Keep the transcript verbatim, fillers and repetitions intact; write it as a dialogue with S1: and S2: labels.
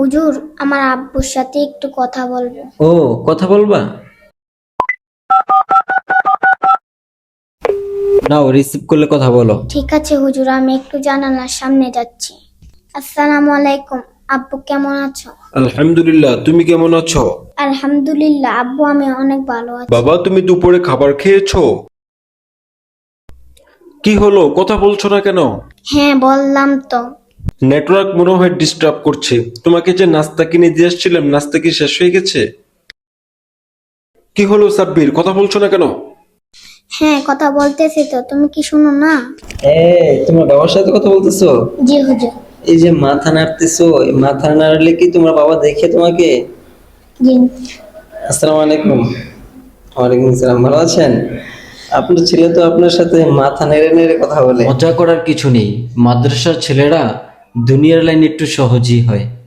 S1: হুজুর, আমার আব্বুর সাথে একটু কথা বলবো।
S2: ও, কথা বলবা? নাও, রিসিভ করলে কথা বলো।
S1: ঠিক আছে হুজুর, আমি একটু জানালার সামনে যাচ্ছি। আসসালামু আলাইকুম। আব্বু কেমন আছো?
S3: আলহামদুলিল্লাহ, তুমি কেমন আছো?
S1: আলহামদুলিল্লাহ আব্বু, আমি অনেক ভালো আছি।
S3: বাবা, তুমি দুপুরে খাবার খেয়েছো? কি হলো, কথা বলছো না কেন?
S1: হ্যাঁ, বললাম তো।
S3: নেটওয়ার্ক মনে হয় ডিস্টার্ব করছে। তোমাকে যে নাস্তা কিনে দিয়ে এসেছিলাম, নাস্তা কি শেষ হয়ে গেছে? কি হলো সাব্বির, কথা বলছো না কেন?
S1: হ্যাঁ, কথা বলতেছি তো, তুমি কি শুনো না?
S2: এই, তোমার বাবার সাথে কথা বলতেছো?
S1: জি হুজুর।
S2: এই যে মাথা নাড়তেছো, এই মাথা নাড়লে কি তোমার বাবা দেখে তোমাকে?
S1: জি।
S2: আসসালামু আলাইকুম। ওয়ালাইকুম আসসালাম। ভালো আছেন? আপনার ছেলে তো আপনার সাথে মাথা নেড়ে নেড়ে কথা বলে। মজা করার কিছু নেই, মাদ্রাসার ছেলেরা দুনিয়ার লাইন একটু সহজই হয়।